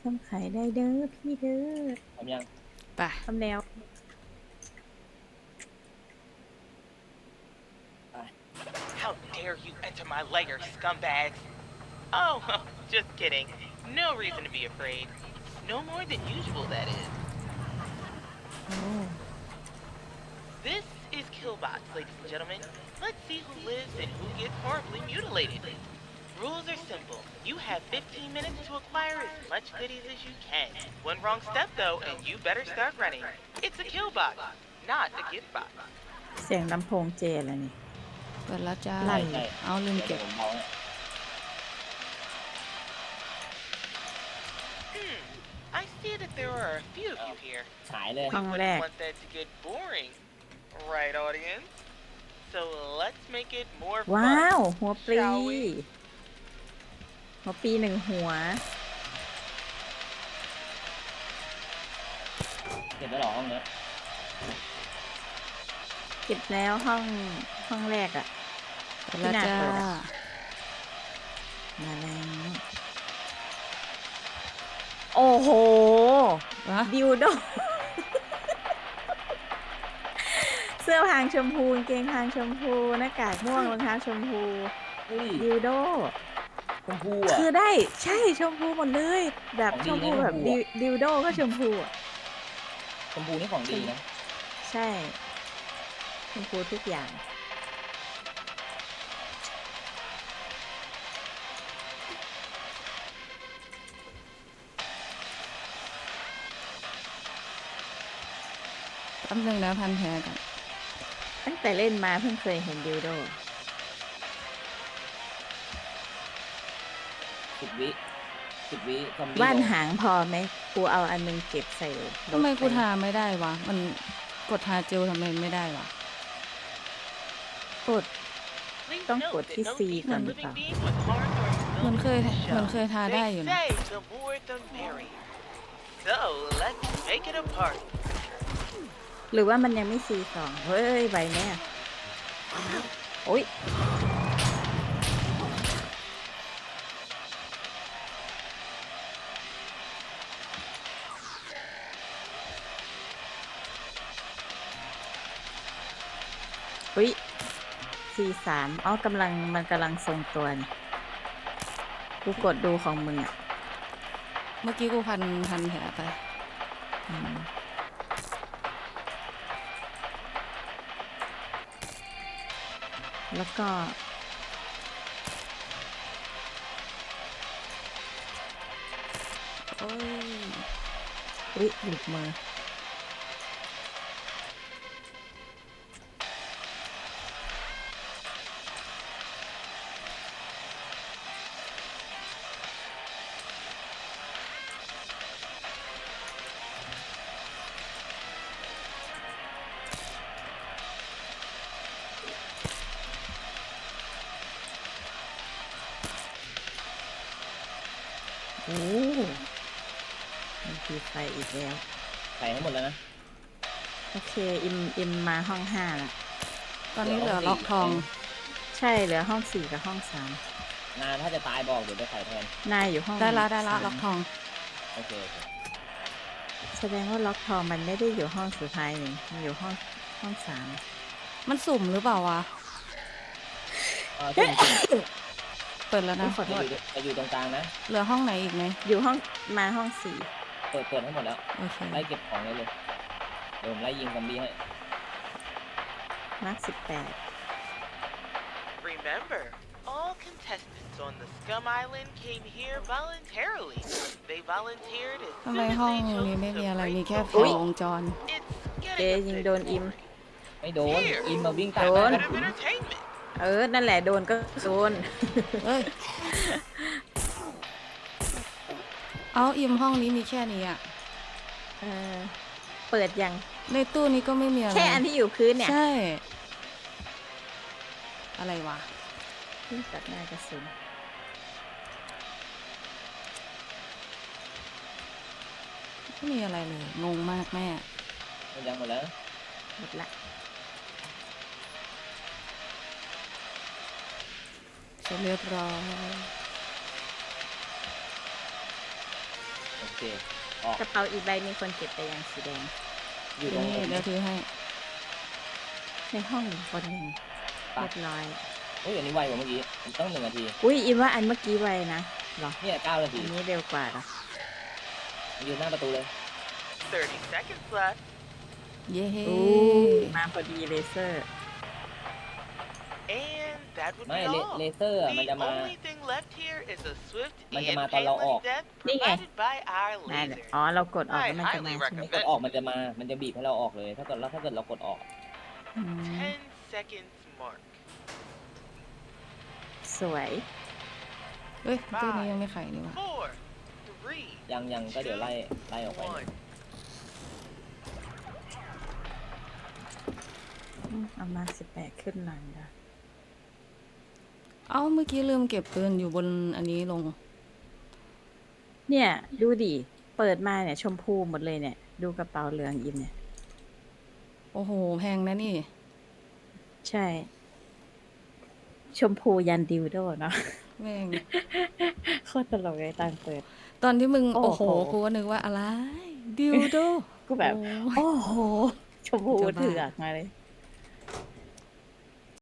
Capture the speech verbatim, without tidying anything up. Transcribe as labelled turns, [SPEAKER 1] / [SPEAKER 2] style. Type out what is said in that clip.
[SPEAKER 1] ำไข่ได้เด้อพี่เด้อ
[SPEAKER 2] ทำยัง
[SPEAKER 3] ไป
[SPEAKER 1] ทำแล้ว
[SPEAKER 2] ไป
[SPEAKER 4] How dare you enter my lair, scumbags? Oh, just kidding. No reason to be afraid. No more than usual, that is.
[SPEAKER 1] โอ้
[SPEAKER 4] This is Killbots, ladies and gentlemen. Let's see who lives and who gets horribly mutilated. Rules are simple. You have fifteen minutes to acquire as much goodies as you can. One wrong step, though, and you better start running. It's a Killbot, not a gift box.
[SPEAKER 1] เสียงลำโพงเจแล้วนี่
[SPEAKER 3] เปิดแล้วจ้า
[SPEAKER 1] ไล่
[SPEAKER 2] ใช่
[SPEAKER 3] เอาลืม
[SPEAKER 2] เดี๋
[SPEAKER 3] เก็
[SPEAKER 2] ยว
[SPEAKER 3] บ
[SPEAKER 2] ผมเบาให้
[SPEAKER 4] Hmm. I see that there are a few of you here.
[SPEAKER 2] ฉายเลย
[SPEAKER 4] We
[SPEAKER 1] Không
[SPEAKER 4] wouldn't
[SPEAKER 1] lẹ.
[SPEAKER 4] want that to get boring, right, audience? So let's make it more
[SPEAKER 1] ว้า
[SPEAKER 4] fun.
[SPEAKER 1] ว หัวปลี
[SPEAKER 4] Shall we?
[SPEAKER 1] หัวปลีหนึ่งหัว
[SPEAKER 2] เก็บไว้หรอห้องเนี้ย
[SPEAKER 1] เก็บแล้วห้องห้องแรกอะ
[SPEAKER 3] เปิดแล้ว
[SPEAKER 1] ที่
[SPEAKER 3] จ้า
[SPEAKER 1] น่าเปิดอะ มาแล้ว โอ้โห
[SPEAKER 3] วะ
[SPEAKER 1] ดิวโด เสื้อพรางชมพูกางเกงพรางชมพูหน้ากากม่วงรองเท้าชมพู
[SPEAKER 2] เฮ้ย
[SPEAKER 1] ดิวโด
[SPEAKER 2] ชมพูอ่ะ
[SPEAKER 1] คือได้ใช่ชมพูหมดเลย แบบ
[SPEAKER 2] ของ
[SPEAKER 1] ช
[SPEAKER 2] ดี
[SPEAKER 1] มพู
[SPEAKER 2] นะ
[SPEAKER 1] แบบ
[SPEAKER 2] ชมพู
[SPEAKER 1] ดิว
[SPEAKER 2] อะ
[SPEAKER 1] ดิวโดก็ชมพูอะ
[SPEAKER 2] ชมพูนี่ของดีนะ
[SPEAKER 1] ใช่ ชมพูทุกอย่าง
[SPEAKER 3] แป๊บนึงนะพันแผลกัน
[SPEAKER 1] ตั้งแต่เล่นมาเพิ่งเคยเห็นดิวโด
[SPEAKER 2] สิบวิสิบวิซอมบี้
[SPEAKER 1] ว่าน
[SPEAKER 2] โดน
[SPEAKER 1] หางพอไหมกูเอาอันนึงเก็บใส่รถ
[SPEAKER 3] ทำไมกู
[SPEAKER 1] ป
[SPEAKER 3] ทาไม่ได้วะ มันกดทาเจลทำไมไม่ได้วะ
[SPEAKER 1] กด
[SPEAKER 4] Please
[SPEAKER 1] Don't
[SPEAKER 4] note
[SPEAKER 1] put
[SPEAKER 4] that
[SPEAKER 1] his
[SPEAKER 4] no
[SPEAKER 1] feet
[SPEAKER 4] decent
[SPEAKER 1] on the
[SPEAKER 4] living
[SPEAKER 1] top.
[SPEAKER 4] being was harmed or
[SPEAKER 3] มัน
[SPEAKER 4] filmed
[SPEAKER 3] เคย
[SPEAKER 4] in the
[SPEAKER 3] มัน
[SPEAKER 4] show.
[SPEAKER 3] เคยทาได้
[SPEAKER 4] They
[SPEAKER 3] อยู่นะ
[SPEAKER 4] say the more the merrier. So let's make it a party.
[SPEAKER 1] หรือว่ามันยังไม่ซีสองเฮ้ยใบแน่โอ้ยอุ้ยซีสามอ๋อกำลังมันกำลังทรงตัวนี่กูกดดูของมึงอ่ะ
[SPEAKER 3] เมื่อกี้กูพันพันแผลไป
[SPEAKER 1] อืมแล้วก็
[SPEAKER 3] โอ้ย
[SPEAKER 1] อุ้ยหลุดมือโอ้มันคือไฟอีกแล้ว
[SPEAKER 2] ใส่ให้หมดแล้วนะ
[SPEAKER 1] โอเค อิม อิมมาห้องห้าละ
[SPEAKER 3] ตอนนี้เหลือล็อกทอง
[SPEAKER 1] ใช่เหลือห้องสี่กับห้องสาม
[SPEAKER 2] งานถ้าจะตายบอกเดี๋ยวไปใส่แทน
[SPEAKER 1] นายอยู่ห้อง
[SPEAKER 3] ได้ละได้ละ
[SPEAKER 1] สาม
[SPEAKER 3] ล็อกทอง
[SPEAKER 2] โอเคโอเค
[SPEAKER 1] แสดงว่าล็อกทองมันไม่ได้อยู่ห้องสุดท้ายนี่มันอยู่ห้องห้องสาม
[SPEAKER 3] มันสุ่มหรือเปล่าวะ
[SPEAKER 2] เออสุ่มสุ่ม
[SPEAKER 3] เปิดแล้วนะ
[SPEAKER 1] ขอโท
[SPEAKER 2] จะ
[SPEAKER 1] ษ
[SPEAKER 2] อยู่จะอยู่ตรงกลางนะ
[SPEAKER 3] เหลือห้องไหนอีกไหม
[SPEAKER 1] อยู่ห้องมาห้องสี่
[SPEAKER 2] เปิดเปิดให้หมดแล้ว
[SPEAKER 3] โอเค
[SPEAKER 2] ไล่เก็บของได้เลย เดี๋ยวผมไล่ยิงซอมบี้ให้
[SPEAKER 1] มาร์คสิบแปด
[SPEAKER 4] Remember, all contestants on the Scum Island came here voluntarily. They volunteered as
[SPEAKER 3] ทำไม
[SPEAKER 4] soon as
[SPEAKER 3] ห้อง
[SPEAKER 4] they
[SPEAKER 3] นี้
[SPEAKER 4] chose
[SPEAKER 3] ไม่
[SPEAKER 4] to
[SPEAKER 3] มีอะไร
[SPEAKER 4] break
[SPEAKER 3] มีแค่
[SPEAKER 4] the
[SPEAKER 3] ไฟ
[SPEAKER 4] rules.
[SPEAKER 3] วงจร
[SPEAKER 4] It's
[SPEAKER 1] เจ
[SPEAKER 4] getting a
[SPEAKER 1] ยิง
[SPEAKER 4] bit
[SPEAKER 1] โดนอิม
[SPEAKER 4] boring.
[SPEAKER 2] ไม่โดน อินมาวิ่งตาม
[SPEAKER 1] โดน
[SPEAKER 2] มา
[SPEAKER 4] Bit of entertainment.
[SPEAKER 1] เออ นั่นแหละโดนก็โดน
[SPEAKER 3] เอ้ย เอาอิมห้องนี้มีแค่นี้อ่ะ
[SPEAKER 1] เออ เปิดยัง
[SPEAKER 3] ในตู้นี้ก็ไม่มีอะไร
[SPEAKER 1] แค่อันที่อยู่พื้นเนี่ย
[SPEAKER 3] ใช่ อะไรวะ
[SPEAKER 1] ที่ตัดหน้ากระสุน
[SPEAKER 3] ไม่มีอะไรเลย งงมากแม่
[SPEAKER 2] มันยังหมดแล้ว
[SPEAKER 1] หมดละ
[SPEAKER 3] เสร็จเรียบร้อย
[SPEAKER 1] อ
[SPEAKER 2] โอเคออก
[SPEAKER 1] กระเป๋าอีกใบมีคนเก็บไปยังสีแดง
[SPEAKER 2] อยู่ตรง
[SPEAKER 3] นี่เดี๋ยวถือให้
[SPEAKER 1] ในห้องอีกคนหนึ่งเรียบร้อย
[SPEAKER 2] โอ้ยอันนี้ไวกว่าเมื่อกี้มันต้องหนึ่งนาที
[SPEAKER 1] อุ้ยอีว่าอันเมื่อกี้ไวนะเหรอ
[SPEAKER 2] เนี่ยเก้านา
[SPEAKER 1] อั
[SPEAKER 2] ที
[SPEAKER 1] นนี้เร็วกว่าเหรอ
[SPEAKER 2] ยืนหน้าประตูเลย
[SPEAKER 4] thirty seconds left.
[SPEAKER 3] เย้
[SPEAKER 1] อู้มาพอดีเลเซอร์
[SPEAKER 4] And that would
[SPEAKER 2] ไม่
[SPEAKER 4] be
[SPEAKER 2] เล
[SPEAKER 4] all.
[SPEAKER 2] เลเซอร์อะมัน
[SPEAKER 4] The
[SPEAKER 2] จะมา
[SPEAKER 4] only thing left here is a swift
[SPEAKER 2] มัน
[SPEAKER 4] and
[SPEAKER 2] จะมาตอนเราออก
[SPEAKER 4] painless death
[SPEAKER 1] นี่ไง
[SPEAKER 4] provided by our
[SPEAKER 1] นั่นแหละ
[SPEAKER 4] laser.
[SPEAKER 1] อ๋อเรากดออกแล้วมันจะมา
[SPEAKER 4] I highly
[SPEAKER 1] ใช่ไหม
[SPEAKER 2] กดออกมันจะมา มันจะบีบให้เราออกเลย ถ้าเกิดเราถ้าเกิดเรากดออก
[SPEAKER 1] อืม
[SPEAKER 4] ten seconds mark.
[SPEAKER 1] สวย
[SPEAKER 3] เฮ้ยตู้นี้ยังไม่ไขนี่หว่า
[SPEAKER 4] Four, three,
[SPEAKER 2] ยังยังก็เดี๋ยวไล่ไล่ออกไป
[SPEAKER 4] one.
[SPEAKER 1] อืมเอามาสิบแปดขึ้นหลังนะ
[SPEAKER 3] เอ้าเมื่อกี้ลืมเก็บปืนอยู่บนอันนี้ลง
[SPEAKER 1] เนี่ยดูดิเปิดมาเนี่ยชมพูหมดเลยเนี่ย ดูกระเป๋าเหลืองอิมเนี่ย
[SPEAKER 3] โอ้โห แพงนะนี่
[SPEAKER 1] ใช่ ชมพูยันดิวโดเนาะ
[SPEAKER 3] แม่ง
[SPEAKER 1] โคตรตลกเลยตอนเปิด
[SPEAKER 3] ตอนที่มึง
[SPEAKER 1] โอ้
[SPEAKER 3] โอ้
[SPEAKER 1] โห
[SPEAKER 3] โห กูก็นึกว่าอะไร ดิวโด
[SPEAKER 1] กูแบบ
[SPEAKER 3] โอ้
[SPEAKER 1] โอ้โห ชมพู
[SPEAKER 3] จะบ้า
[SPEAKER 1] เถือกมาเลย